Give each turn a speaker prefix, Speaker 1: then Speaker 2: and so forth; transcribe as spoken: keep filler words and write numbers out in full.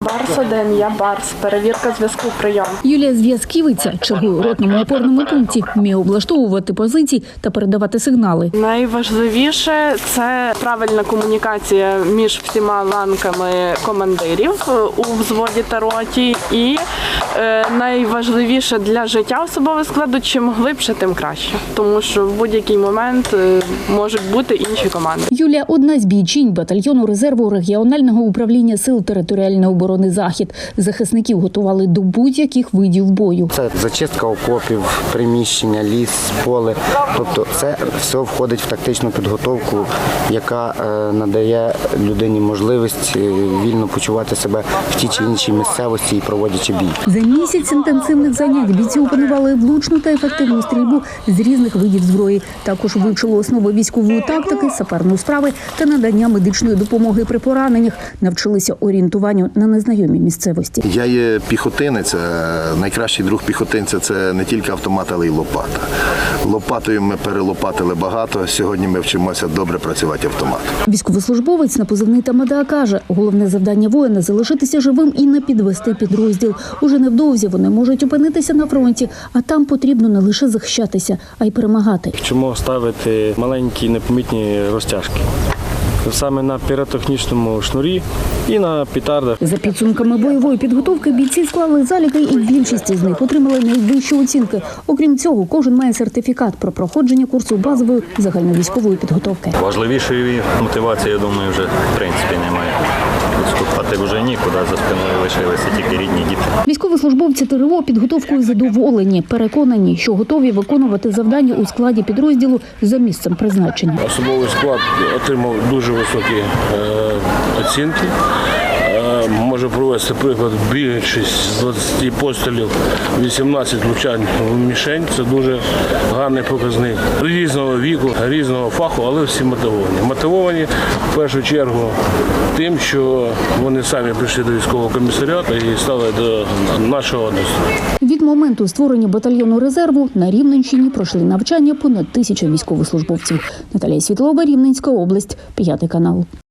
Speaker 1: Барс один, я Барс. Перевірка зв'язку, прийом.
Speaker 2: Юлія Зв'язківиця чергує у ротному опорному пункті, вміє облаштовувати позиції та передавати сигнали.
Speaker 1: Найважливіше – це правильна комунікація між всіма ланками командирів у взводі та роті. І е, найважливіше для життя особового складу – чим глибше, тим краще. Тому що в будь-який момент е, можуть бути інші команди.
Speaker 2: Юлія – одна з бійчинь батальйону резерву регіонального управління сил територіальної оборони «Захід». Захисників готували до будь-яких видів бою.
Speaker 3: Це зачистка окопів, приміщення, ліс, поле. Тобто це все входить в тактичну підготовку, яка надає людині можливість вільно почувати себе в тій чи іншій місцевості і проводячи бій.
Speaker 2: За місяць інтенсивних занять бійці опанували влучну та ефективну стрільбу з різних видів зброї. Також вивчили основи військової тактики, саперної справи та надання медичної допомоги при пораненнях. Навчилися орієнтуванню на незнайомій місцевості.
Speaker 4: Я є піхотинець, найкращий друг піхотинця – це не тільки автомат, але й лопата. Лопатою ми перелопатили багато, сьогодні ми вчимося добре працювати автоматом.
Speaker 2: Військовослужбовець на позивний Тамада каже, головне завдання воїна – залишитися живим і не підвести підрозділ. Уже невдовзі вони можуть опинитися на фронті, а там потрібно не лише захищатися, а й перемагати.
Speaker 5: Вчимо ставити маленькі непомітні розтяжки. Саме на піротехнічному шнурі і на петардах.
Speaker 2: За підсумками бойової підготовки бійці склали заліки і більшість з них отримали найвищі оцінки. Окрім цього, кожен має сертифікат про проходження курсу базової загальновійськової підготовки.
Speaker 6: Важливішої мотивації, я думаю, вже в принципі немає. Відступати вже нікуди, за спиною лишилися тільки рідні діти.
Speaker 2: Військовослужбовці ТРО підготовкою задоволені, переконані, що готові виконувати завдання у складі підрозділу за місцем призначення.
Speaker 7: Особовий склад отримав дуже високі е, оцінки. Е, може провести приклад, бігаючись з двадцяти пострілів, вісімнадцять влучань в мішень. Це дуже гарний показник. Різного віку, різного фаху, але всі мотивовані. Мотивовані в першу чергу тим, що вони самі прийшли до військового комісаріату і стали до нашого однострою.
Speaker 2: Від моменту створення батальйону резерву на Рівненщині пройшли навчання понад тисяча військовослужбовців. Наталія Світлова, Рівненська область, п'ятий канал.